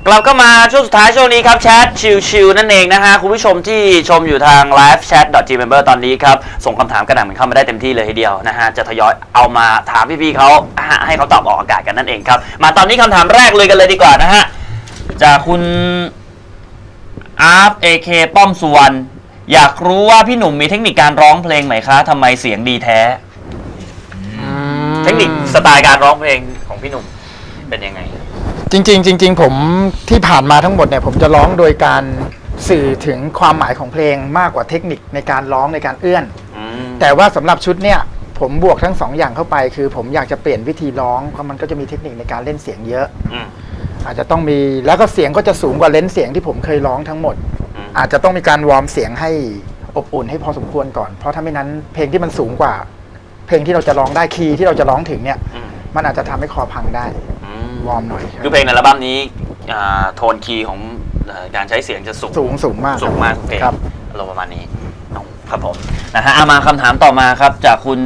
กลับก็มาช่วงสุดท้ายช่วงนี้ครับแชทชิลๆนั่นเองนะฮะคุณผู้ชมที่ชมอยู่ทาง livechat.gmember ตอนนี้ครับส่งคำถามกระหน่ำเข้ามาได้เต็มที่เลยทีเดียวนะฮะจะทยอยเอามาถามพี่ๆเขาให้เขาตอบออกอากาศกันนั่นเองครับมาตอนนี้คำถามแรกเลยกันเลยดีกว่านะฮะจากคุณอาร์ฟ AK ป้อมสุวรรณอยากรู้ว่าพี่หนุ่มมีเทคนิคการร้องเพลงไหมคะทำไมเสียงดีแท้เทคนิคสไตล์การร้องเพลงของพี่หนุ่มเป็นยังไงจริงผมที่ผ่านมาทั้งหมดเนี่ยผมจะร้องโดยการสื่อถึงความหมายของเพลงมากกว่าเทคนิคในการร้องในการเอื้อนแต่ว่าสำหรับชุดเนี่ยผมบวกทั้งสองอย่างเข้าไปคือผมอยากจะเปลี่ยนวิธีร้องเพราะมันก็จะมีเทคนิคในการเล่นเสียงเยอะอาจจะต้องมีแล้วก็เสียงก็จะสูงกว่าเลนส์เสียงที่ผมเคยร้องทั้งหมดอาจจะต้องมีการวอร์มเสียงให้อบอุ่นให้พอสมควรก่อนเพราะถ้าไม่นั้นเพลงที่มันสูงกว่าเพลงที่เราจะร้องได้คีย์ที่เราจะร้องถึงเนี่ยมันอาจจะทำให้คอพังได้วอร์มหน่อยคือเพลงในอัลบั้มนี้โทนคีย์ของการใช้เสียงจะสูงมากเพลงอารมณ์ประมาณนี้ครับผมนะฮะมาคำถามต่อมาครับจากคุณ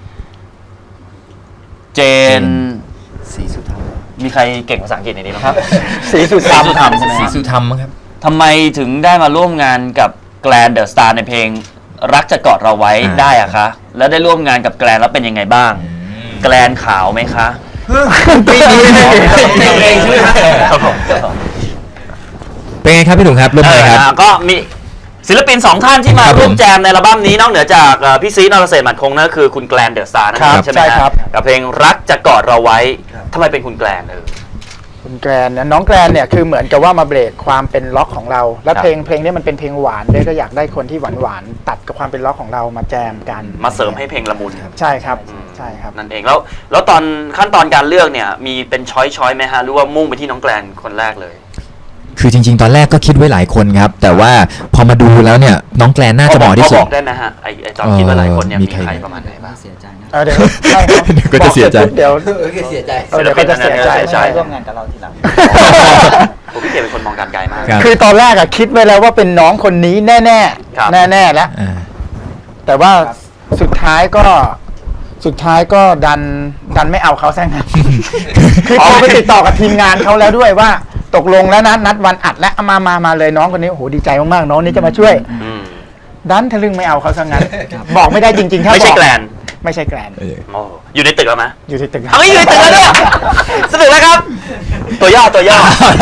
เจนศรีสุธรรมมีใครเก่งภาษาอังกฤษในนี้ไหมครับศรีสุธรรมใช่ไหมศรีสุธรรมครับทำไมถึงได้มาร่วมงานกับแกลนเดอะสตาร์ในเพลงรักจะกอดเราไว้ได้อะคะแล้วได้ร่วมงานกับแกลนแล้วเป็นยังไงบ้างแกลนขาวไหมคะปีนี้เองใช่ไหมครับผมเป็นไงครับพี่หนุ่มครับร่วมงานครับก็มีศิลปิน2ท่านที่มาร่วมแจมในอัลบั้มนี้นอกเหนือจากพี่ซีนรเศรษฐ์หมัดคงนั่นก็คือคุณแกลนเดอะสตาร์นั่นเองใช่ไหมครับกับเพลงรักจะกอดเราไว้ทำไมเป็นคุณแกลนคุณแกรนเนี่ยน้องแกรนเนี่ยคือเหมือนกับว่ามาเบรกความเป็นล็อกของเราและเพลงนี้มันเป็นเพลงหวานด้วยก็อยากได้คนที่หวานตัดกับความเป็นล็อกของเรามาแจมกันมาเสริมให้เพลงละมุนใช่ครับใช่ครับนั่นเองแล้วตอนขั้นตอนการเลือกเนี่ยมีเป็นช้อยไหมฮะหรือว่ามุ่งไปที่น้องแกรนคนแรกเลยคือจริงๆตอนแรกก็คิดไว้หลายคนครับแต่ว่าพอมาดูแล้วเนี่ยน้องแกรนน่าจะเหมาะที่สุดบอกได้ไหมฮะไอ้จอนคิดว่าหลายคนเนี่ยมีใครประมาณไหนบ้างเสียใจนะเดี๋ยวก็จะเสียใจเดี๋ยวเสียใจเดี๋ยวก็จะเสียใจร่วมงานกับเราทีหลังผมพี่เกดเป็นคนมองการไกลมากคือตอนแรกอะคิดไว้แล้วว่าเป็นน้องคนนี้แน่แน่แล้วแต่ว่าสุดท้ายก็ดันไม่เอาเขาซะงั้นคือพอไปติดต่อกับทีมงานเขาแล้วด้วยว่าตกลงแล้วนะนัดวันอัดและมาเลยน้องคนนี้โอ้โหดีใจมากๆน้องนี้จะมาช่วยดันทะลึ่งไม่เอาเขาซะงั้นบอกไม่ได้จริงๆถ้าไม่ใช่แกรนอยู่ในตึกแล้วไหมอยู่ในตึกอยู่ในตึกแล้วเนี่ยสนุกแล้วครับตัวย่อ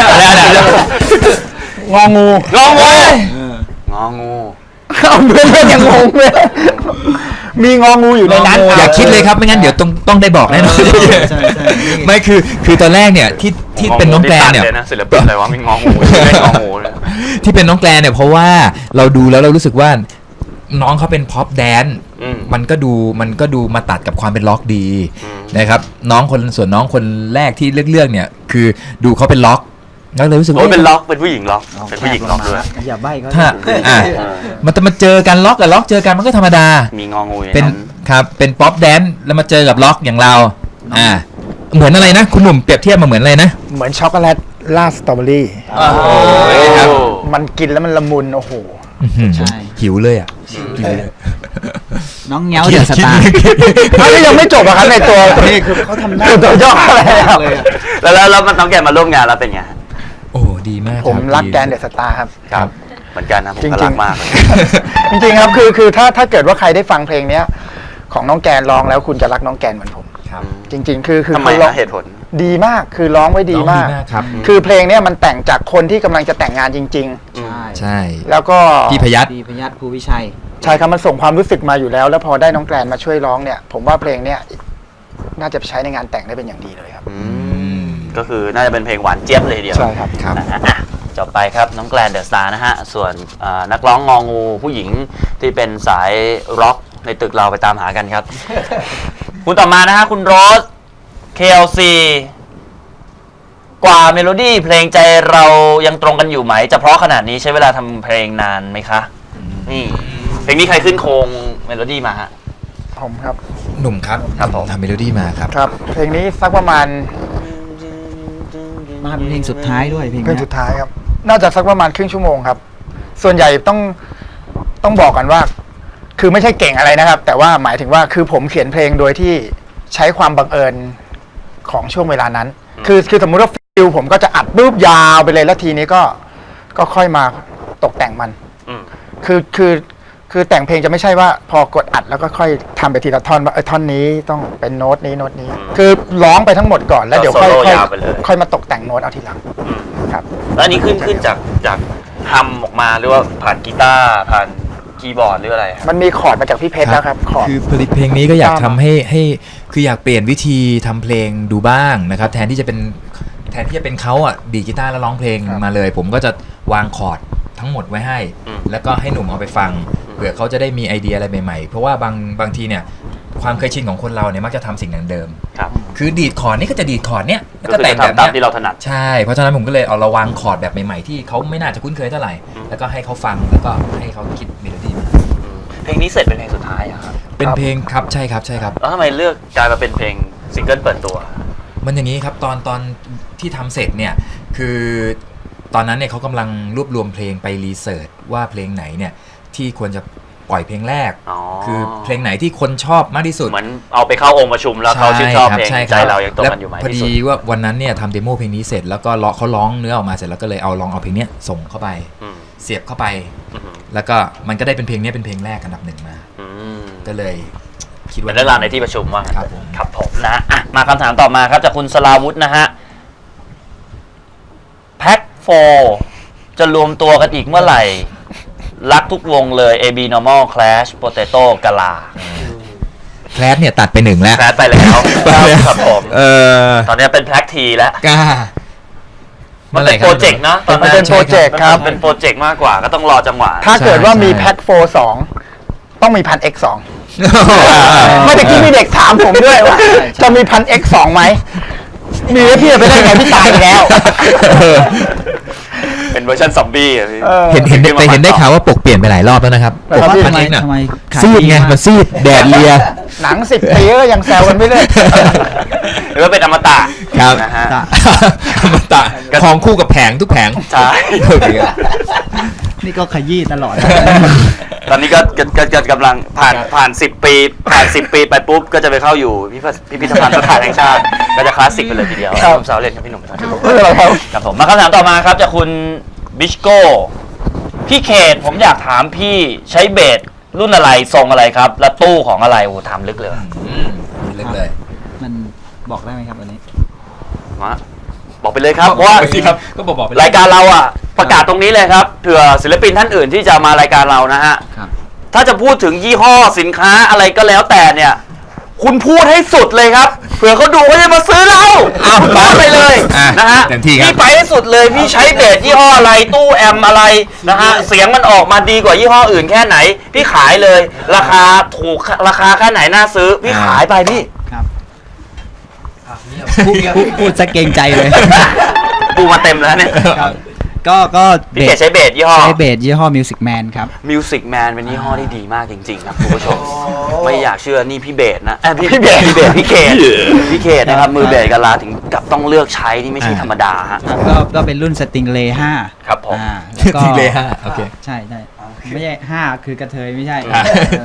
งองูเอาเพื่อนยังงงเลยมีงองูอยู่ในนั้นอย่าคิดเลยครับไม่งั้นเดี๋ยวต้องได้บอกแน่นอนไม่คือตอนแรกเนี่ยที่เป็นน้องแกลนเนี่ยศิลปินอะไรวะมีงองูที่เป็นน้องแกลนเนี่ยเพราะว่าเราดูแล้วเรารู้สึกว่าน้องเขาเป็นพ็อปแดนซ์มันก็ดูมาตัดกับความเป็นล็อกดีนะครับส่วนน้องคนแรกที่เลือกเนี่ยคือดูเขาเป็นล็อกแล้วเลยรู้สึกว่าเป็นล็อกเป็นผู้หญิงล็อกเป็นผู้หญิงล็อกด้วยอย่าใบ้เขามันจะมาเจอกันล็อกกับล็อกเจอกันมันก็ธรรมดามีงองูเป็นครับเป็นป๊อปแดนซ์แล้วมาเจอกับล็อกอย่างเราเหมือนอะไรนะคุณหนุ่มเปรียบเทียบมาเหมือนอะไรนะเหมือนช็อกโกแลตราดสตรอเบอรี่มันกินแล้วมันละมุนโอ้โหใช่หิวเลยอ่ะน้องเงี้ยวเดือดสตาร์เขายังไม่จบอะครับในตัวนี้คือเขาทำได้ตัวย่ออะไรแล้วมันน้องแกมาร่วมงานแล้วเป็นไงโอ้ดีมากผมรักแกนเดอะสตาร์ครับเหมือนกันนะผมรักมากจริงๆครับคือถ้าเกิดว่าใครได้ฟังเพลงเนี้ยของน้องแกนร้องแล้วคุณจะรักน้องแกนเหมือนผมจริงๆคือทำไมเหตุผลดีมากคือร้องไว้ดีมากคือเพลงเนี้ยมันแต่งจากคนที่กำลังจะแต่งงานจริงๆใช่แล้วก็พี่พยัครูวิชัยใช่ครับมันส่งความรู้สึกมาอยู่แล้วแล้วพอได้น้องแกรนมาช่วยร้องเนี่ยผมว่าเพลงเนี้ยน่าจะใช้ในงานแต่งได้เป็นอย่างดีเลยครับก็คือน่าจะเป็นเพลงหวานเจี๊ยบเลยเดียวใช่ครับจบไปครับน้องแกรนเดอะสตาร์นะฮะส่วนนักร้องงองูผู้หญิงที่เป็นสายร็อกในตึกเราไปตามหากันครับคุณต่อมานะฮะคุณโรส KLC กว่าเมโลดี้เพลงใจเรายังตรงกันอยู่ไหมจะเพราะขนาดนี้ใช้เวลาทำเพลงนานไหมคะนี่เพลงนี้ใครขึ้นโครงเมโลดี้มาฮะผมครับหนุ่มครับผมทำเมโลดี้มาครับครับเพลงนี้สักประมาณเพลงสุดท้ายด้วยเพลงสุดท้ายครับน่าจะสักประมาณครึ่งชั่วโมงครับส่วนใหญ่ต้องบอกกันว่าคือไม่ใช่เก่งอะไรนะครับแต่ว่าหมายถึงว่าคือผมเขียนเพลงโดยที่ใช้ความบังเอิญของช่วงเวลานั้นคือสมมุติว่าฟิลผมก็จะอัดปุ๊บยาวไปเลยแล้วทีนี้ก็ค่อยมาตกแต่งมันอืมคือแต่งเพลงจะไม่ใช่ว่าพอกดอัดแล้วก็ค่อยทำไปทีละท่อนว่าท่อนนี้ต้องเป็นโน้ตนี้โน้ตนี้ คือร้องไปทั้งหมดก่อนแล้วเดี๋ยวค่อยโซโล่ยาวไปเลยค่อยมาตกแต่งโน้ตเอาทีหลังอืมครับแล้วอันนี้ขึ้นจากฮัมออกมาหรือว่าผ่านกีตาร์ผ่านคีย์บอร์ดหรืออะไรครับมันมีคอร์ดมาจากพี่เพชรแล้วครับคอร์ดคือผลิตเพลงนี้ก็อยากตามทำให้คืออยากเปลี่ยนวิธีทำเพลงดูบ้างนะครับแทนที่จะเป็นเขาอ่ะดีดกีตาร์แล้วร้องเพลงครับมาเลย ผมก็จะวางคอร์ดทั้งหมดไว้ให้อืมแล้วก็ให้หนุ่มเอาไปฟังเผื่อเขาจะได้มีไอเดียอะไรใหม่ๆ เพราะว่าบางทีเนี่ยความเคยชินของคนเราเนี่ยมักจะทำสิ่งเดิมครับๆคือดีดคอร์ดนี่ก็จะดีดคอร์ดเนี้ยแล้วก็ก็คือแต่งจะแบบทำตามเนี้ยที่เราถนัดใช่ เพราะฉะนั้นผมก็เลยเอาระวางคอร์ดแบบใหม่ๆที่เขาไม่น่าจะคุ้นเคยเท่าไหร่อืมแล้วก็ให้เขาฟังแล้วก็ให้เขาคิดเมโลดี้มาอืมเพลงนี้เสร็จเป็นเพลงสุดท้ายอะครับเป็นเพลงครับใช่ครับใช่ครับแล้วทำไมเลือกกลายมาเป็นเพลงซิงเกิลเปิดตัวมันอย่างนี้ครับตอนที่ทำเสร็จเนี่ยคือตอนนั้นเนี่ยเขากำลังรวบรวมเพลงไปรีเสิร์ชว่าเพลงไหนเนี่ยที่ควรจะปล่อยเพลงแรกอ๋อคือเพลงไหนที่คนชอบมากที่สุดเหมือนเอาไปเข้าองค์ประชุมแล้วเขาชื่นชอบเพลงใช่คใจบเรายังตรงกันอยู่ไหมแล้วพอที่ดีสุดว่าวันนั้นเนี่ยทำเดโมเพลงนี้เสร็จแล้วก็เขาร้องเนื้อออกมาเสร็จแล้วก็เลยลองเอาเพลงเนี้ยส่งเข้าไปอืมเสียบเข้าไปอืมแล้วก็มันก็ได้เป็นเพลงเนี้ยเป็นเพลงแรกอันดับหนึ่งมาอืมก็เลยคิดเป็ว่านเรื่องราวในที่ประชุมว่างั้นครับผมครับผมนะอ่ะมาคำถามต่อมาครับจากคุณสลาวุธนะฮะแพ็คโฟจะรวมตัวกันอีกเมื่อไหร่ รักทุกวงเลย AB Normal Clash Potato กะลาแคลสเนี่ยตัดไปหนึ่งแล้วแพลไปแล้วครับผมเออตอนนี้เป็นแพล็กทีแล้วกล้ามันเป็นโปรเจกต์นะตอนมันนั้นเป็นโปรเจกต์ครับมันเป็นโปรเจกต์มากกว่าก็ต้องรอจังหวะถ้าเกิดว่ามีใช่แพ็คโฟร์2ต้องมีพัน X2 เมื่อกี้มีเด็กถามผมด้วยว่าจะมีพัน X2 ไหม มีแล้วพี่จะไปได้ไงพี่ตายไปแล้วเป็นเวอร์ชันซอมบี้อะพี่เห็นแต่เห็นได้ข่าวว่าปกเปลี่ยนไปหลายรอบแล้วนะครับแต่ว่าปกทำไมน่ะทำไมขายซีดดีไงมากมันซีดแดดเลียหนัง10 ปีก็ยังแซวกันไม่เลิกหรือว่าเป็นอมตะครับนะฮะอมตะของคู่กับแผงทุกแผงใช่โอเคครับนี่ก็ขยี้ตลอดตอนนี้ก็กำลังผ่าน10 ปีไปปุ๊บก็จะไปเข้าอยู่พิพิธภัณฑ์สถานแห่งชาติก็จะคลาสสิกไปเลยทีเดียวครับผมสาวเล่นกับพี่หนุ่มครับไม่เป็นไรครับครับผมมาคำถามต่อมาครับจากคุณบิชโก้พี่เขตผมอยากถามพี่ใช้เบสรุ่นอะไรทรงอะไรครับ และตู้ของอะไรโอ้โหถามลึกเลยว่ะเล็กเลยมันบอกได้ไหมครับวันนี้มาบอกไปเลยครับเพราะว่าไปสิครับก็บอกไปรายการเราอ่ะประกาศตรงนี้เลยครับเผื่อศิลปินท่านอื่นที่จะมารายการเรานะฮะครับถ้าจะพูดถึงยี่ห้อสินค้าอะไรก็แล้วแต่เนี่ย คุณพูดให้สุดเลยครับเผื่อเขาดูเขาจะมาซื้อเราคุณพูดไปเลยอ่ะนะฮะเต็มที่ครับพี่ไปให้สุดเลยพี่ใช้เบสยี่ห้ออะไรตู้แอมอะไรนะฮะเสียงมันออกมาดีกว่ายี่ห้ออื่นแค่ไหน พี่ขายเลย ราคาถูกราคาแค่ไหนน่าซื้อ พี่ขายไปพี่ครับพูดจะเกรงใจเลยปูมาเต็มแล้วเนี่ยครับก็พี่เกดใช้เบสยี่ห้อใช้เบสยี่ห้อ Music Man ครับ Music Man เป็นยี่ห้อที่ดีมากจริงๆครับคุณผู้ชม ไม่อยากเชื่อนี่พี่เบสนะพี่เขตนะครับมือเบสกันลาถึงกับต้องเลือกใช้นี่ไม่ใช่ธรรมดาฮะก็เป็นรุ่น Stingray 5 ครับผมแล้วก็ทีเลยฮะโอเคใช่ไม่ใช่5คือกระเทยไม่ใช่อ่า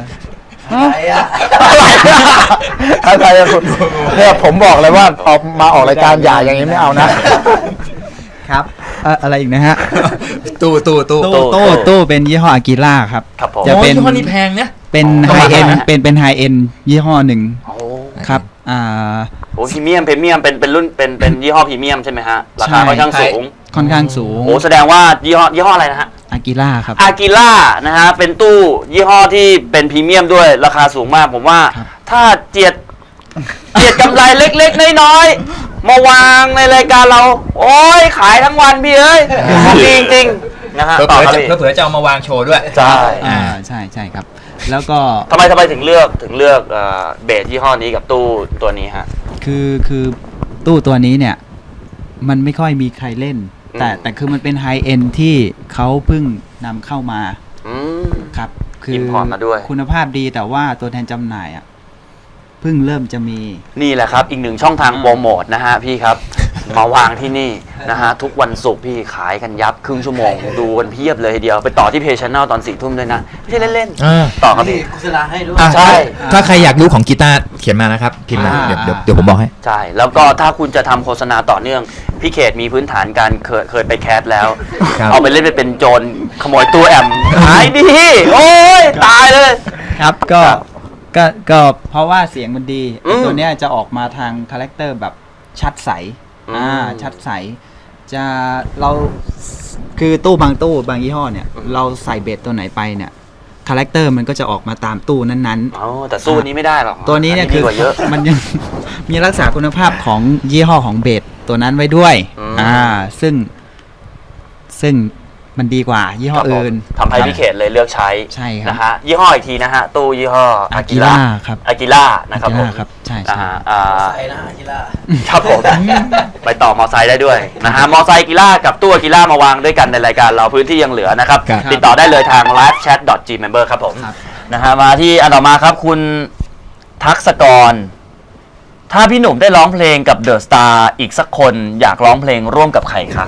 อะไรอะคุณเนี่ยผมบอกเลยว่าออกมาออกรายการอย่าอย่างนี้ไม่เอานะครับอะไรอีกนะฮะตู้ตู้เป็นยี่ห้ออากิล่าครับครับผมจะเป็นยี่ห้อนี้แพงนะเป็นอ๋อไฮเอ็นประมาณไหนเป็นไฮเอ็นยี่ห้อหนึ่งโอ้ครับโหพรีเมียมเป็นรุ่นเป็นยี่ห้อพรีเมียมใช่ไหมฮะราคาใช่ค่อนข้างสูงค่อนข้างสูงโอ้แสดงว่ายี่ห้ออะไรนะฮะอากิล่าครับอากิล่านะฮะเป็นตู้ยี่ห้อที่เป็นพรีเมียมด้วยราคาสูงมากผมว่าครับถ้าเจียดกำไรเล็กๆน้อยๆมาวางในรายการเรา โอ้ยขายทั้งวันพี่เอ้ยดีจริงๆนะฮะต่อครับพี่เผื่อจะเอามาวางโชว์ด้วยใช่ใช่ครับ แล้วก็ทำไมถึงเลือกเบสยี่ห้อนี้กับตู้ตัวนี้ฮะคือตู้ตัวนี้เนี่ย มันไม่ค่อยมีใครเล่นอืมแต่คือมันเป็นไฮเอ็นที่เขาเพิ่งนำเข้ามาอืมครับ คือ import มาด้วยคุณภาพดีแต่ว่าตัวแทนจำหน่ายอ่ะเพิ่งเริ่มจะมีนี่แหละครับอีกหนึ่งช่องทางโปรโมทนะฮะพี่ครับ มาวางที่นี่นะฮะทุกวันศุกร์พี่ขายกันยับครึ่งชั่วโมงดูกันเพียบเลยทีเดียวไปต่อที่เพจชแนลตอน4 ทุ่มด้วยนะไม่ใช่เล่นอ่าๆต่อครับพี่โฆษณาให้ด้วยอ่ะใช่ถ้าใครอยากรู้ของกีตาร์เขียนมานะครับพิมพ์มาเดี๋ยวผมบอกให้ใช่แล้วก็ถ้าคุณจะทำโฆษณาต่อเนื่องพี่เขตมีพื้นฐานการเคยไปแคสแล้วครับเอาไปเล่นไปเป็นโจรขโมยตู้แอมหายดีโอ้ยตายเลยครับก็เพราะว่าเสียงมันดีอืมตัวเนี้ยจะออกมาทางคาแรคเตอร์แบบชัดใสอืมชัดใสจะเราคือตู้บางยี่ห้อเนี่ย เราใส่เบสตัวไหนไปเนี่ยคาแรคเตอร์มันก็จะออกมาตามตู้นั้นอ๋อแต่สู้นี้ไม่ได้หรอกๆ ตัวนี้เนี่ยดีคือกว่าเยอะมันยัง มีรักษาคุณภาพของยี่ห้อของเบสตัวนั้นไว้ด้วย ซึ่งมันดีกว่ายี่ห้อครับผมอื่นทำให้พี่เขตเลยเลือกใช้ใช่ครับนะฮะยี่ห้ออีกทีนะฮะตู้ยี่ห้ออากิ Aquila ล่าครับอากิล่านะครับผมครับใช่นะฮะใส่นะกีฬาครับผม ไปต่อมอไซค์ได้ด้วยนะฮะมอไซค์กีล่ากับตู้อากิล่ามาวางด้วยกันในรายการเราพื้นที่ยังเหลือนะครับครับติดต่อได้เลยทาง livechat.gmember ครับผมครับนะฮะมาที่อันต่อมาครับคุณทักษกร ถ้าพี่หนุ่มได้ร้องเพลงกับเดอะสตาร์อีกสักคนอยากร้องเพลงร่วมกับใครคะ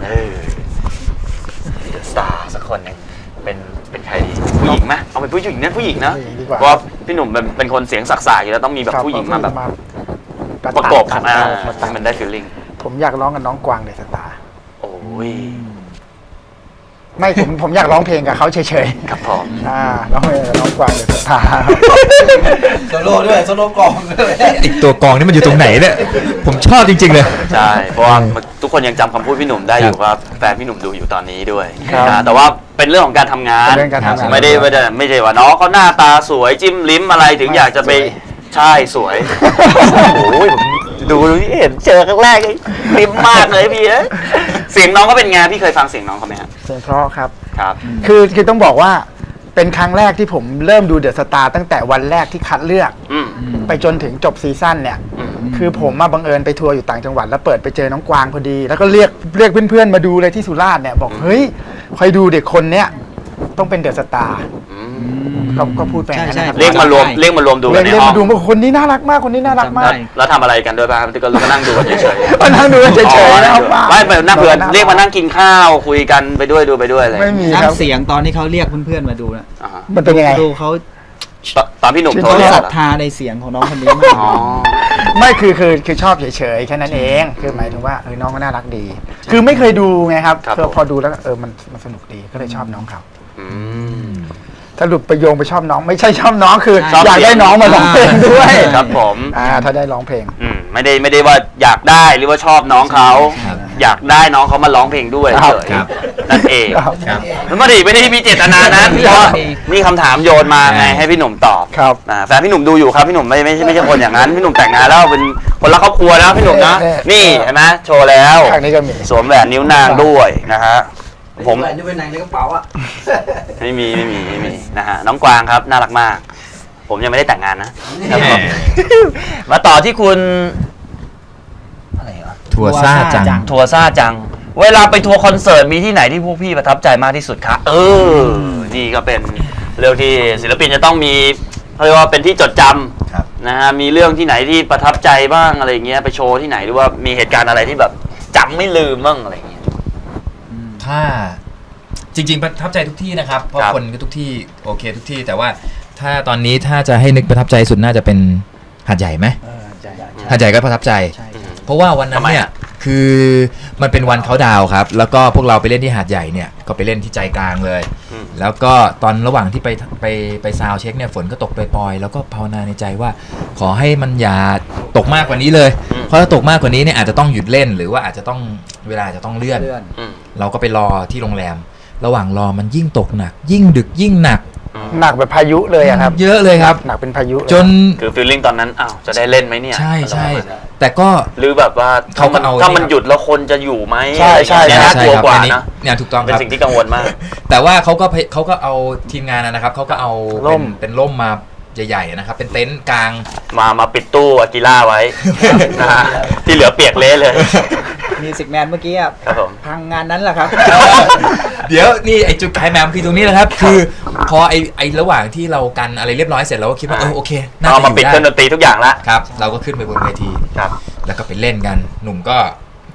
เดอะสตาร์สักคนหนึงเป็นใครดีผู้หญิงไหมเอาเป็นผู้หญิงนะผู้หญิงนะผู้หญิงดีกว่าเพราะว่าพี่หนุ่มเป็นคนเสียงสักๆอยู่แล้วต้องมีแบบผู้หญิงมาแบบประกบตัดอ่ามาตัดมันได้ฟีลลิ่งผมอยากร้องกับน้องกวางเดอะสตาร์โอ้ยไม่ผมอยากร้องเพลงกับเขาเฉยครับผมๆร้องเพลงกับน้องกวางเดอะสตาร์โซโล่ด้วยโซโล่กองด้วยอีกตัวกองนี่มันอยู่ตรงไหนเนี่ยผมชอบจริง ๆ เลยใช่เพราะว่าทุกคนยังจำคำพูดพี่หนุ่มได้อยู่ครับแฟนพี่หนุ่มดูอยู่ตอนนี้ด้วยครับนะแต่ว่าเป็นเรื่องของการทำงานเป็นเรื่องการทำงานไม่ได้ว่าน้องเขาหน้าตาสวยจิ้มลิ้มอะไรถึงอยากจะไปสวยใช่สวย โอ้ยผมดูนี่เห็นเจอครั้งแรกเลยลิ้มมากเลยพี่เอ้ยเสียงน้องก็เป็นไงพี่เคยฟังเสียงน้องเขาไหมครับเสียงเพราะครับครับคือต้องบอกว่าเป็นครั้งแรกที่ผมเริ่มดูเดอะสตาร์ตั้งแต่วันแรกที่คัดเลือกอืมไปจนถึงจบซีซั่นเนี่ยอืมคือผมมาบังเอิญไปทัวร์อยู่ต่างจังหวัดแล้วเปิดไปเจอน้องกวางพอดี แล้วก็เรียกเพื่อนๆมาดูเลยที่สุราษฎร์เนี่ยบอกเฮ้ยคอยดูเด็กคนเนี้ยต้องเป็นเดอะสตาร์อืมก็พูดไปอย่างนั้นนะครับเรียกมารวมดูกันในเรียกห้องมาดูว่าคนนี้น่ารักมากคนนี้น่ารักมากแล้วทำอะไรกันด้วยป่ะครับก็นั่งดูกันเฉยๆมานั่งดูกันเฉยๆนะครับไม่ไปนั่งเพื่อนเรียกมานั่งกินข้าวคุยกันไปด้วยดูไปด้วยเลยไม่มีครับน้ำเสียงตอนที่เขาเรียกเพื่อนๆมาดูนะอ่าฮะมันเป็นยังไงดูเขาตอนพี่หนุ่มโทรเขาเรียกศเหรัรทอธาในเสียงของน้องคนนี้มากอ๋อไม่คือชอบเฉยๆแค่นั้นเองคือหมายถึงว่าน้องก็น่ารักดี คือไม่เคยดูไงครับครับพอดูแล้วมันสนุกดีก็เลยชอบน้องเขาอืมสรุปไปโยงไปชอบน้องไม่ใช่ชอบน้องคือชอบอยากได้น้องมาร้องเพลงด้วยครับผมถ้าได้ร้องเพลงไม่ได้ว่าอยากได้หรือว่าชอบน้องเขาครับอยากได้น้องเขามาร้องเพลงด้วยครับเฉยครับนั่นเองครับครับแล้วไม่ได้มีเจตนานั้นเพราะว่านี่คำถามโยนมาไงให้พี่หนุ่มตอบครับแฟนพี่หนุ่มดูอยู่ครับพี่หนุ่มไม่ใช่คนอย่างนั้นพี่หนุ่มแต่งงานแล้วเป็นคนรักครอบครัวแล้วพี่หนุ่มนะ นี่เห็นไหมโชว์แล้วครั้งนี้ก็มีสวมแหวนนิ้วนางด้วยนะฮะผมนี่เป็นไหนในกระเป๋าอ่ะไม่มีนะฮะน้องกวางครับน่ารักมาก ผมยังไม่ได้แต่งงานนะครับผมมาต่อที่คุณอะไรเหรอทัวซ่าจังทัวร์ซ่าจัง เวลาไปทัวร์คอนเสิร์ตมีที่ไหนที่พวกพี่ประทับใจมากที่สุดคะนี่ก็เป็นเรื่องที่ศิลปินจะต้องมีเขาเรียกว่าเป็นที่จดจครับำนะฮะมีเรื่องที่ไหนที่ประทับใจบ้างอะไรเงี้ยไปโชว์ที่ไหนหรือว่ามีเหตุการณ์อะไรที่แบบจำไม่ลืมบ้างอะไรเงี้ยถ้าจริง ๆ ประทับใจทุกที่นะครับ เพราะครับคนก็ทุกที่โอเคทุกที่ แต่ว่าถ้าตอนนี้ถ้าจะให้นึกประทับใจสุดน่าจะเป็นหาดใหญ่ไหมหาดใหญ่ก็ประทับใจ เพราะว่าวันนั้นเนี่ยคือมันเป็นวันเขาดาวน์ครับ แล้วก็พวกเราไปเล่นที่หาดใหญ่เนี่ยก็ไปเล่นที่ใจกลางเลยอืมแล้วก็ตอนระหว่างที่ไปซาวด์เช็คเนี่ยฝนก็ตกปล่อยๆแล้วก็ภาวนาในใจว่า ขอให้มันอย่าตกมากกว่านี้เลย เพราะถ้าตกมากกว่านี้เนี่ยอาจจะต้องหยุดเล่นหรือว่าอาจจะต้องเวลาอาจจะต้องเลื่อนอืมเราก็ไปรอที่โรงแรม ระหว่างรอมันยิ่งตกหนัก ยิ่งดึกยิ่งหนักหนักแบบพายุเลยอะครับเยอะเลยครับหนักเป็นพายุเลยจนคือฟีลลิ่งตอนนั้นอ้าวจะได้เล่นไหมเนี่ยใช่อะไรประมาณนั้นแต่ก็หรือแบบว่าเขาก็เอาถ้ามันหยุดแล้วคนจะอยู่ไหมใช่ใช่เนี่ยน่ากลัวกว่าอันนี้นะเนี่ยถูกต้องเป็นครับสิ่งที่กังวลมากแต่ว่าเขาก็เอาทีมงานนะครับเขาก็เอาร่มเป็นร่มมาใหญ่ๆนะครับ เป็นเต็นท์กลางมาปิดตู้อากิล่าไว้นะฮะที่เหลือเปียกเละเลยมีสิกแมนเมื่อกี้อะครับผมพังงานนั้นแหละครับเดี๋ยวนี่ไอจุดขายแหมมคือตรงนี้แหละครับ คือพอไอระหว่างที่เรากันอะไรเรียบร้อยเสร็จเราก็คิดว่าโอเคน่าเอาจะมาอยู่ปิดเครื่องดได้นตรีทุกอย่างละครับ เราก็ขึ้นไปบนเวทีครับแล้วก็ไปเล่นกันหนุ่มก็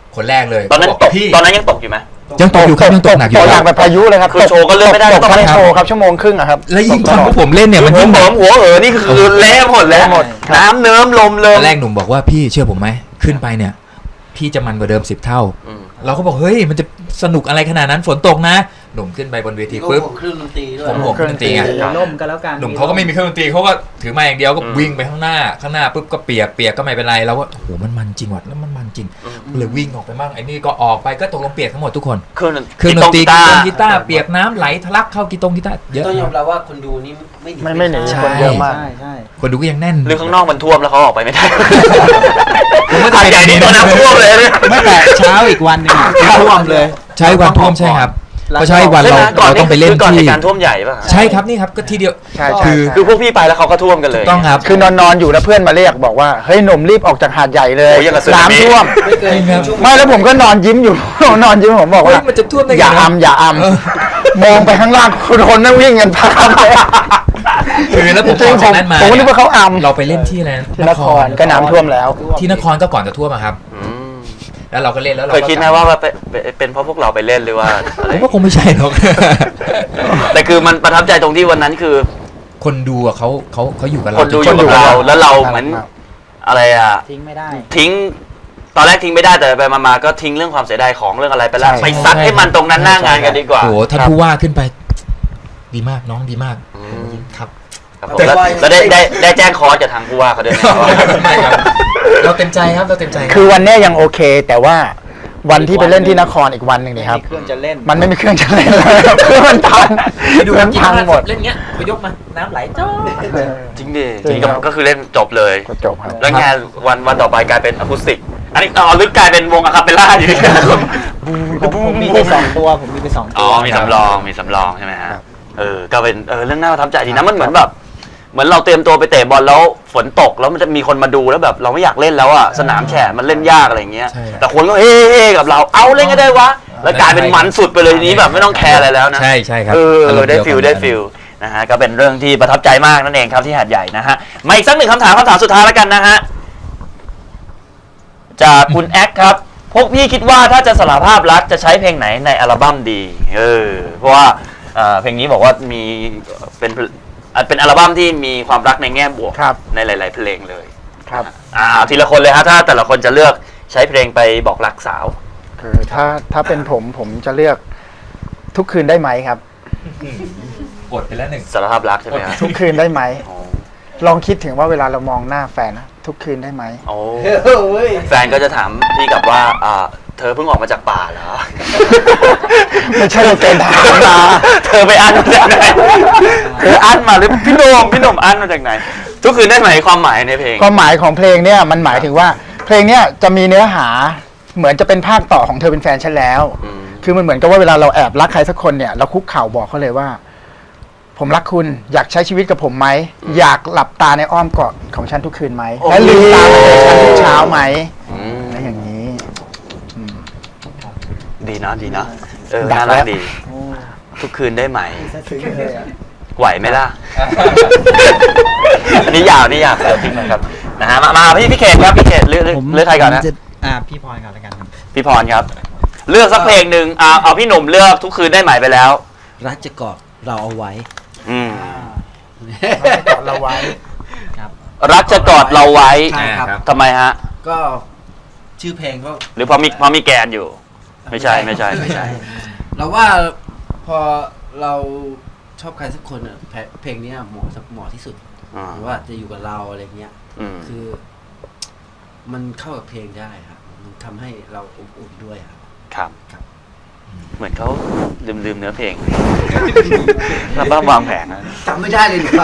คนแรกเลยตอนนั้นเขาบตอกกพี่ตอนนั้นยังตกอยู่ไหมยังตกอยู่ครับยังตกหนักอยู่ตกหคนัรักบแบบพายุเลยครับคือโชว์ก็เล่นไม่ได้ตกต้องทั้เล่งนโชว์ครับชั่วโมงครึ่งอะครับแล้วยิ่งตอนพวกผมเล่นเนี่ยมันหัวยิ่งหแบอบ มหัวนี่คือเละหมดแล้วเละหมดน้ำเนิ้มลมเลตยอนแรกหนุ่มบอกว่าพี่เชื่อผมไหมขึ้นไปเนี่ย พี่จะมันกว่าเดิม10 เท่าอืมเราก็บอกเฮ้ยมันจะสนุกอะไรขนาดนั้นฝนตกนะ หนุ่มขึ้นไปบนเวทีก็ปุ๊บผมเครื่องดนตรีด้วยผมห่วงเครื่องดนตรีไงล่มก็แล้วกันหนุ่มเขาก็ไม่มีเครื่องดนตรีเขาก็ถือมาอย่างเดียวก็วิ่งไปข้างหน้าปุ๊บก็เปียกก็ไม่เป็นไรเราก็โอ้โหมันจริงว่ะแล้วมันจริงเลยวิ่งออกไปบ้างไอ้นี่ก็ออกไปก็ตกลงเปียกทั้งหมดทุกคนเครื่องเครื่องดนตรีกีกีตาร์เปียกน้ำไหลทะลักเข้ากีตาร์เยอะต้องยอมรับว่าคนดูนี่ไม่หนีใช่คนเยอะมากใช่ใช่คนดูก็ยังแน่นหรือข้างนอกมันท่วมแล้วเขาออกไปไม่ได้ผมว่าหาดใหญ่นี่โดนน้ำท่วมเลยเนี่ยไม่แต่เช้าอีกวันหนึ่งท่วมเลยใช่วันท่วมใช่ครับเพราะใช่วันใช่ไหมก่อนเราต้องไปเล่นคือก่อนที่เหตุการณ์ท่วมใหญ่ป่ะใช่ครับนี่ครับก็ทีเดียวใช่คือคือพวกพี่ไปแล้วเขาก็ท่วมกันเลยต้องครับคือนอนอยู่แล้วเพื่อนมาเรียกบอกว่าเฮ้ยหนุ่มรีบออกจากหาดใหญ่เลยโอ้ยยังกับสึนามิน้ำท่วมไม่เกินครับชั่วโมงไม่แล้วผมก็นอนยิ้มอยู่ นอนยิ้มผมบอกเฮ้ยว่ามันจะท่วมได้ไงอย่านะอย่าอำมองไปข้างล่างคนนั่งวิ่งกันพามเลยคือแล้วผมจริอง อกๆผจากมนั้นมาผมก็นึกว่าเขาอำเราไปเล่นที่อะไรนะที่นครก็น้ำท่วมแล้วที่นครก็ก่อนจะท่วมอะครับอืมแล้วเราก็เล่นแล้วเราเคยคิดไหมว่าเป็นเพราะพวกเราไปเล่นหรือว่าอะไรผมว่าคงไม่ใช่หรอกแต่คือมันประทับใจตรงที่วันนั้นคือคนดูอะเขาอยู่กับเราคนดูอยู่กับเราแล้วเราเหมือนอะไรอ่ะทิ้งไม่ได้ทิ้งตอนแรกทิ้งไม่ได้แต่ไปมาๆก็ทิ้งเรื่องความเสียดายของเรื่องอะไรไปแล้วใช่ไปซัดให้มันตรงนั้นหน้างานกันดีกว่าโอ้โหท่านผู้ว่าขึ้นไป ดีมากน้องดีมากอืมครับครับผมแล้วได้แจ้งคอร์สจากทางผู้ว่าเขาด้วยนะไม่ครับเราเต็มใจครับเราเต็มใจรับคือวันเนี้ยยังโอเค แต่ว่าวันที่ไปเล่นที่นครอีกวันหนึ่งนี่ครับมีเครื่องจะเล่นมันไม่มีเครื่องจะเล่นแล้วเครื่องมันพังมันพังหมดเล่นเงี้ยไปยกมาน้ำไหลจ้อจริงดิจริงครับก็คือเล่นจบเลยก็จบครับแล้วงานวันต่อไปกลายเป็นอะคูสติก อันนี้ลึกกลายเป็นวงอะคาเปลล่าอยู่ผมมีไปสองตัวผมมีไปสองอ๋ตัอวมีสำรองใช่ไหมฮะครับก็เป็นเรื่องน่าประทับใจดีนะมันเหมือนแบบ เหมือนเราเตรียมตัวไปเตะบอลแล้วฝนตกแล้วมันจะมีคนมาดูแล้วแบบเราไม่อยากเล่นแล้วอ่ะสนามแฉะมันเล่นยากอะไรอย่างเงี้ยใช่ครับแต่คนก็เฮ้กับเราเอาเล่นก็ได้วะแล้วกลายเป็นมันสุดไปเลยทีนี้แบบไม่ต้องแคร์อะไรแล้วนะใช่ครับได้ฟิลนะฮะก็เป็นเรื่องที่ประทับใจมากนั่นเองครับที่หาดใหญ่นะฮะมาอีกสักหนึ่งคำถามสุดท้ายแล้วกันนะฮะจากคุณแอคครับพวกพี่คิดว่าถ้าจะสารภาพรักจะใช้เพลงไหนในอัลบั้มดีเพราะว่าเพลงนี้บอกว่ามีเป็นอัลบั้มที่มีความรักในแง่บวกครับในหลาย ๆ เพลงเลยครับทีละคนเลยฮะถ้าแต่ละคนจะเลือกใช้เพลงไปบอกรักสาวคือถ้าเป็นผมจะเลือกทุกคืนได้ไหมครับกดไปแล้วหนึ่งสารภาพรักใช่ไหมฮะทุกคืนได้ไหมอ๋อลองคิดถึงว่าเวลาเรามองหน้าแฟนนะทุกคืนได้ไหมโอ้เฮ้ยแฟนก็จะถามพี่กลับว่าเธอเพิ่งออกมาจากป่าเหรอไม่ใช่เราเป็นทหารมาเธอไปอั้นมาจากไหนเธออั้นมาหรือพี่โหน่มอั้นมาจากไหน ทุกคืนได้ไหมความหมายในเพลงความหมายของเพลงเนี่ยมันหมายถึงว่าเพลงเนี่ยจะมีเนื้อหาเหมือนจะเป็นภาคต่อของเธอเป็นแฟนฉันแล้วอืมคือมันเหมือนกับว่าเวลาเราแอบรักใครสักคนเนี่ยเราคุกเข่าบอกเขาเลยว่า ผมรักคุณอยากใช้ชีวิตกับผมไหมอยากหลับตาในอ้อมกอดของฉันทุกคืนไหมและลืมตามาในฉันทุกเช้าไหมอืมและอย่างนี้ดีเนาะดัน่ากรัแล้กวดี ทุกคืนได้ไหม ไหวไหมล่ะ อันนี้ยาวเดี๋ยวทิ้งนะครับนะฮะมาพี่เขตครับพี่เขตเลือกใครก่อนนะพี่พรก่อนแล้วกันครับพี่พรครับ เลือกสักเพลงหนึ่งเอาพี่หนุ่มเลือกทุกคืนได้ไหมไปแล้วรักจะกอดเราเอาไว้อืมกอดเราไว้รักจะกอดเราไว้ใช่ครับทำไมฮะก็ชื่อเพลงก็หรือเพราะมีแกนอยู่ ไม่ใช่เราว่าพอเราชอบใครสักคนอ่ะเพลงเนี้ยเหมาะที่สุดอ่าหรือว่าจะอยู่กับเราอะไรเงี้ยอืมคือ มันเข้ากับเพลงได้ครับมันทำให้เราอบอุ่นด้วยครับครับครับเหมือนเขาลืมเนื้อเพลงแล้วบ้าวางแผนนะจำไม่ได้เลยครับ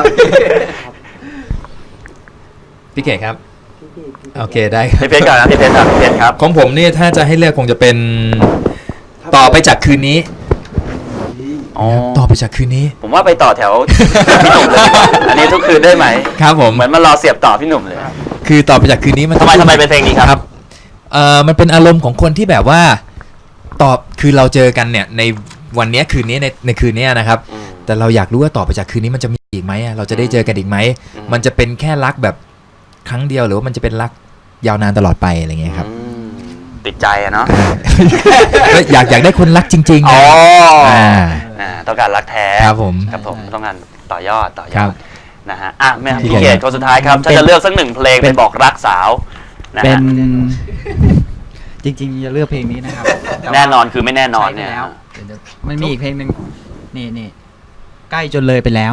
พี่เก๋ครับโอเคได้ครับพี่เพชรก่อนนะพี่เพชรครับของผมเนี่ยถ้าจะให้เลือกคงจะเป็นต่อไปจากคืนนี้อ๋อต่อไปจากคืนนี้ผมว่าไปต่อแถวพี่หนุ่มเลยดีกว่าอันนี้ทุกคืนได้ไหมครับผมเหมือนมารอเสียบต่อพี่หนุ่มเลยคือต่อไปจากคืนนี้มันทำไมเป็นเพลงนี้ครับมันเป็นอารมณ์ของคนที่แบบว่าคือเราเจอกันเนี่ยในวันเนี้ยคืนนี้ในคืนเนี้ยนะครับอืมแต่เราอยากรู้ว่าต่อไปจากคืนนี้มันจะมีอีกไหมอะเราจะได้เจอกันอีกไหมอืมมันจะเป็นแค่รักแบบครั้งเดียวหรือว่ามันจะเป็นรักยาวนานตลอดไปอะไรเงี้ยครับอืมติดใจอะเนาะก็อยากได้คนรักจริงๆอ๋นะออ่าต้องการรักแท้ครับผมครับผมต้องการต่อยอดครับนะฮะอ่ะแม่พี่พี่เขเขตตคนสุดท้ายครับถ้าจะเลือกสักหนึ่งเพลงเป็นบอกรักสาวนะเป็นฮะจริงๆจะเลือกเพลงนี้นะครับต่ว่าแน่นอนคือไม่แน่นอนเนี่ยใช้ไปแล้วมันมีอีกเพลงหนึ่งนี่ใกล้จนเลยไปแล้ว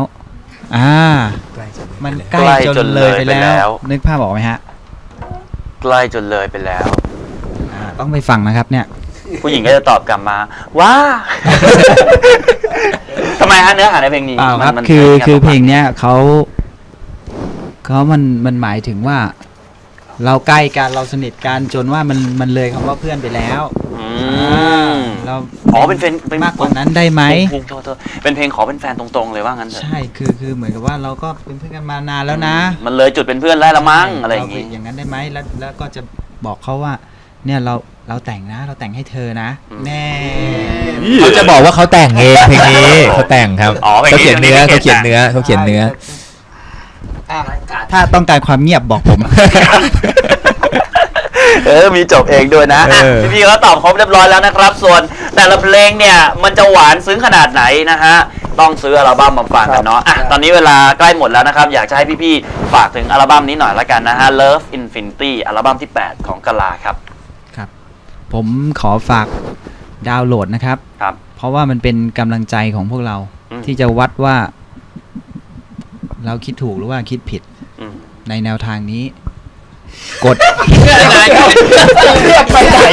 มันใกล้จนเลยไปแล้ว นึกภาพออกไหมฮะใกล้จนเลยไปแล้วต้องไปฟังนะครับเนี่ยผู้หญิงก็จะตอบกลับมาว้า ทำไมฮะเนื้อหาในเพลงนี้เปล่าครับมันคือเพลงเนี้ยเขามันหมายถึงว่า เราใกล้กันเราสนิทกันจนว่ามันเลยคำว่าเพื่อนไปแล้วอืมเราอ๋อเป็นเพลงเป็นมากกว่านั้นได้ไหมโทษเป็นเพลงขอเป็นแฟนตรงๆเลยว่างั้นเถอะใช่คือเหมือนกับว่าเราก็เป็นเพื่อนกันมานานแล้วนะมันเลยจุดเป็นเพื่อนแล้วละมั้งอะไรอย่างงี้งี้อย่างนั้นได้ไหมแล้วก็จะบอกเขาว่า เนี่ยเราแต่งนะ เราแต่งให้เธอนะอืมแน่เขาจะบอกว่าเขาแต่งเองเพลงนี้เขาแต่งครับอ๋อเพลงนี้เขาเขียนเนื้อเพลงนี้เขาเขียนเนื้อเขาเขียนเนื้อถ้าต้องการความเงียบบอกผมมีจบเองด้วยนะอ่ะเออพี่ๆก็ตอบครบเรียบร้อยแล้วนะครับ ส่วนแต่ละเพลงเนี่ยมันจะหวานซึ้งขนาดไหนนะฮะต้องซื้ออัลบั้มมาฟังกันเนาะอ่ะตอนนี้เวลาใกล้หมดแล้วนะครับอยากจะให้พี่ๆฝากถึงอัลบั้มนี้หน่อยละกันนะฮะ Love Infinity อัลบั้มที่ 8 ของกะลาครับครับ ผมขอฝากดาวน์โหลดนะครับครับเพราะว่ามันเป็นกำลังใจของพวกเราอืมที่จะวัดว่า เราคิดถูกหรือว่าคิดผิดอืมในแนวทางนี้ กดไปไหน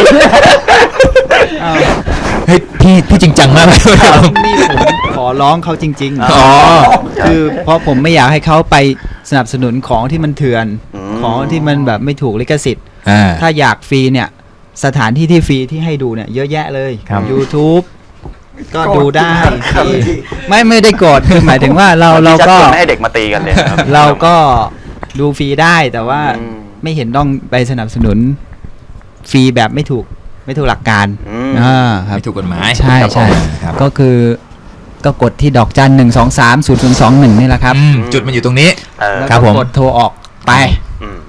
เฮ้ยพี่จริงจังมากเลยนี่ผมขอร้องเขาจริงอ๋อคือเพราะผมไม่อยากให้เขาไปสนับสนุนของที่มันเถื่อนอืมของที่มันแบบไม่ถูกลิขสิทธิ์อ่าถ้าอยากฟรีเนี่ย สถานที่ที่ฟรีที่ให้ดูเนี่ยเยอะแยะเลยครับ YouTube ก็ดูได้ครับฟรีไม่ได้โกรธคือหมายถึงว่าเราชัก็ชวนไม่ให้เด็กมาตีกันเลยครับเราก็ดูฟรีได้แต่ว่าอืมไม่เห็นต้องไปสนับสนุนฟรีแบบไม่ถูกหลักการอืมครับไม่ถูกกฎหมายใช่ครับใช่ครับก็คือก็กดที่ดอกจัน 1230021นี่แหละครับอืมจุดมันอยู่ตรงนี้เออแล้วครับก็ผมกดโทรออกไปอืม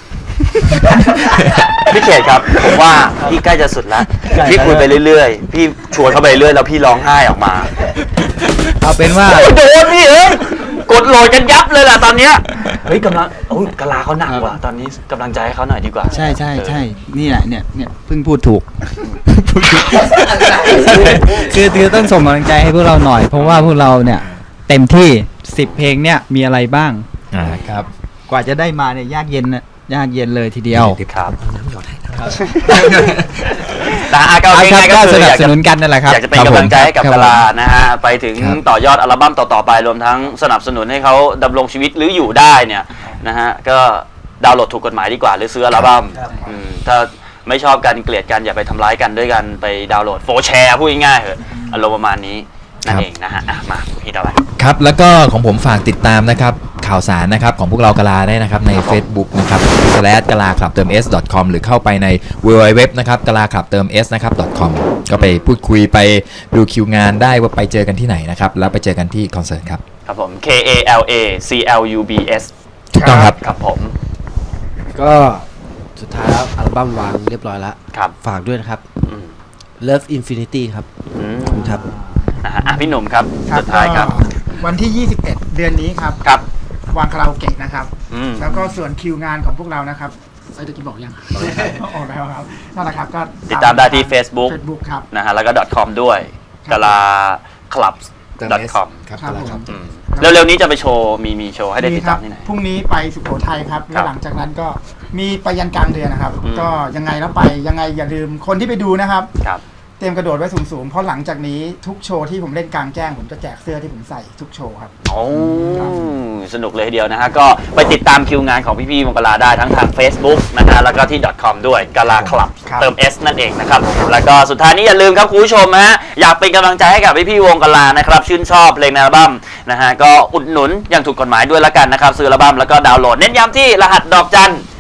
พี่เขตครับผมว่าพี่ใกล้จะสุดแล้วใกล้พี่คุยไปเรื่อยๆ พี่ชวนเขาไปเรื่อยแล้วพี่ร้องไห้ออกมาเอาเป็นว่าโดนพี่กดโหลดกันยับเลยล่ะตอนเนี้ยเฮ้ยกำลังโอ้ยกะลาเขาหนักว่ะตอนนี้กำลังใจให้เขาหน่อยดีกว่าใช่นี่แหละเนี่ยเพิ่งพูดถูก คือต้องส่งกำลังใจให้พวกเราหน่อย เพราะว่าพวกเราเนี่ย เต็มที่10เพลงเนี่ยมีอะไรบ้างครับกว่าจะได้มาเนี่ยยากเย็นเลยทีเดียวครับแต่อาก็เอาครับง่ายๆก็ก็สคือนับอยากสจะนุนกันนั่นแหละครับอยากจะเป็นกำลังใจให้กับครับกะผมลานะฮะไปถึงครับต่อยอดอัลบั้มต่อๆไปรวมทั้งสนับสนุนให้เขาดำรงชีวิตหรืออยู่ได้เนี่ยนะฮะก็ดาวน์โหลดถูกกฎหมายดีกว่าหรือซื้ออัลบั้มถ้าไม่ชอบกันเกลียดกันอย่าไปทำร้ายกันด้วยกันไปดาวน์โหลดโฟร์แชร์พูดง่ายๆเหอะอารมณ์ประมาณนี้นั่นเองนะฮะอ่ะมาพี่ต่อไปครับแล้วก็ของผมฝากติดตามนะครับข่าวสารนะครับของพวกเรากะลาได้นะครับใน Facebook นะครับ /กะลาคลับเติม s.com หรือเข้าไปใน www นะครับกะลาคลับเติม s นะครับ .com ก็ไปพูดคุยไปดูคิวงานได้ว่าไปเจอกันที่ไหนนะครับแล้วไปเจอกันที่คอนเสิร์ตครับครับผม KALACLUBS ถูกต้องครับครับผมก็สุดท้ายแล้วอัลบั้มวางเรียบร้อยแล้วครับฝากด้วยนะครับอืม Love Infinity ครับอืมขอบคุณครับนะฮะอ่ะพี่หนุ่มครับครับสุดท้ายครับก็วันที่ 21 เดือนนี้ครับครับวางคาราโอเกะนะครับอืมแล้วก็ส่วนคิวงานของพวกเรานะครับเอ้ยตะกี้บอกยังออกแล้วครับนั่นแหละครับก็ติดตามได้ที่ Facebook Facebook ครับนะฮะแล้วก็ .com ด้วยกะลา clubs.com ครับครับผมอืมเร็วๆนี้จะไปโชว์มีโชว์ให้ได้ติดตามที่ไหนพรุ่งนี้ไปสุโขทัยครับครัแล้วบหลังจากนั้นก็มีไปยันกลางเดือนนะครับอืมก็ยังไงแล้วไปยังไงอย่าลืมคนที่ไปดูนะครับครับเตรียมกระโดดไว้สูงๆ เพราะหลังจากนี้ทุกโชว์ที่ผมเล่นกลางแจ้งผมจะแจกเสื้อที่ผมใส่ทุกโชว์ครับโอ้สนุกเลยทีเดียวนะฮะ ก็ไปติดตามคิวงานของพี่ๆวงกะลาได้ทั้งทาง Facebook นะฮะ แล้วก็ที่ .com ด้วยกะลาคลับครับเติม S นั่นเองนะครับ แล้วก็สุดท้ายนี้อย่าลืมครับคุณผู้ชมฮะ อยากเป็นกำลังใจให้กับพี่ๆวงกะลานะครับ ชื่นชอบเพลงในอัลบั้มนะฮะ ก็อุดหนุนอย่างถูกกฎหมายด้วยละกันนะครับ ซื้ออัลบั้มแล้วก็ดาวน์โหลด เน้นย้ำที่รหัสดอกจัน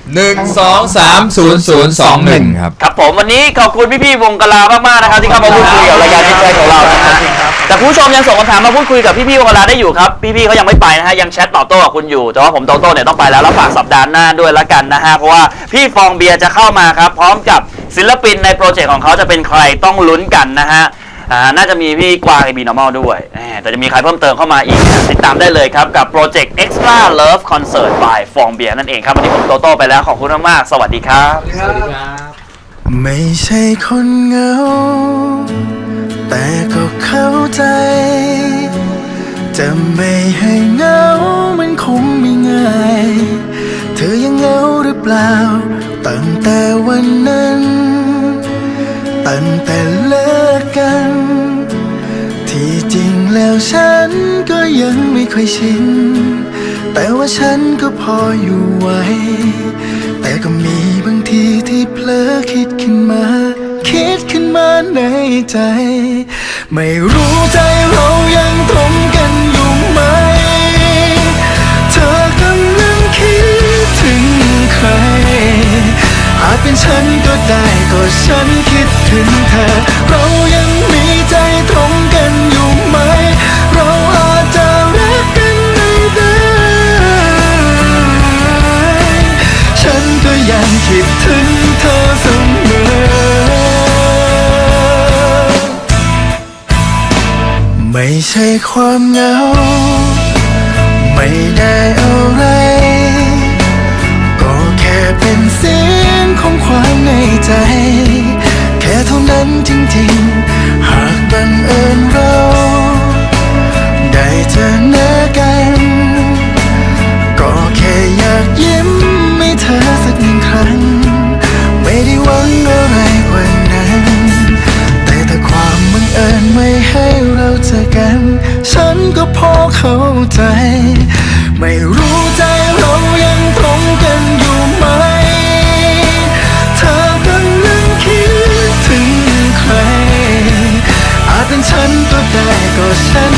1230021ครับครับผมวันนี้ขอบคุณพี่ๆวงกลามากๆนะครับที่เข้ามาพูดคุยกับรายการที่แชทของเรานะครับแต่ผู้ชมยังส่งคำถามมาพูดคุยกับพี่ๆวงกลาได้อยู่ครับพี่ๆเขายังไม่ไปนะฮะยังแชทตอบโต้กับคุณอยู่แต่ว่าผมโตโต้เนี่ยต้องไปแล้วฝากสัปดาห์หน้าด้วยละกันนะฮะเพราะว่าพี่ฟองเบียร์จะเข้ามาครับพร้อมกับศิลปินในโปรเจกต์ของเขาจะเป็นใครต้องลุ้นกันนะฮะน่าจะมีพี่กวางไอบีนอร์มอลด้วยแต่จะมีใครเพิ่มเติมเข้ามาอีกติดตามได้เลยครับกับโปรเจกต์ Extra Love Concert by ฟองเบียร์นั่นเองครับวันนี้ผมโตโต้ไปแล้วขอบคุณมากๆสวัสดีครับไม่ใช่คนเหงา แต่ก็เข้าใจ จะไม่ให้เหงา มันคงไม่ง่าย เธอยังเหงาหรือเปล่า ตั้งแต่วันนั้น ตั้งแต่เลิกกัน ที่จริงแล้วฉันก็ยังไม่ค่อยชิน แต่ว่าฉันก็พออยู่ไหว แต่ก็มีบางทีที่เผลอคิดขึ้นมาในใจ ไม่รู้ใจเรายังตรงกันอยู่ไหม เธอกำลังคิดถึงใคร อาจเป็นฉันก็ได้ก็ฉันคิดถึงเธอ เรายังมีใจตรงกันอยู่ไหม เราอาจจะรักกันไม่ได้ ฉันก็ยังคิดถึงเธอเสมอ ไม่ใช่ความเหงา ไม่ได้อะไร ก็แค่เป็นเสียงของความในใจ แค่เท่านั้นจริงๆ หากบังเอิญเราได้เจอหน้ากัน ก็แค่อยากยิ้มให้เธอสักหนึ่งครั้ง ไม่ได้หวังอะไรกว่านั้น แต่ถ้าความบังเอิญไม่ให้เราเจอกัน ฉันก็พอเข้าใจ ไม่รู้ใจเรายังตรงกันอยู่ไหม เธอกำลังคิดถึงใคร อาจเป็นฉันก็ได้ก็ฉัน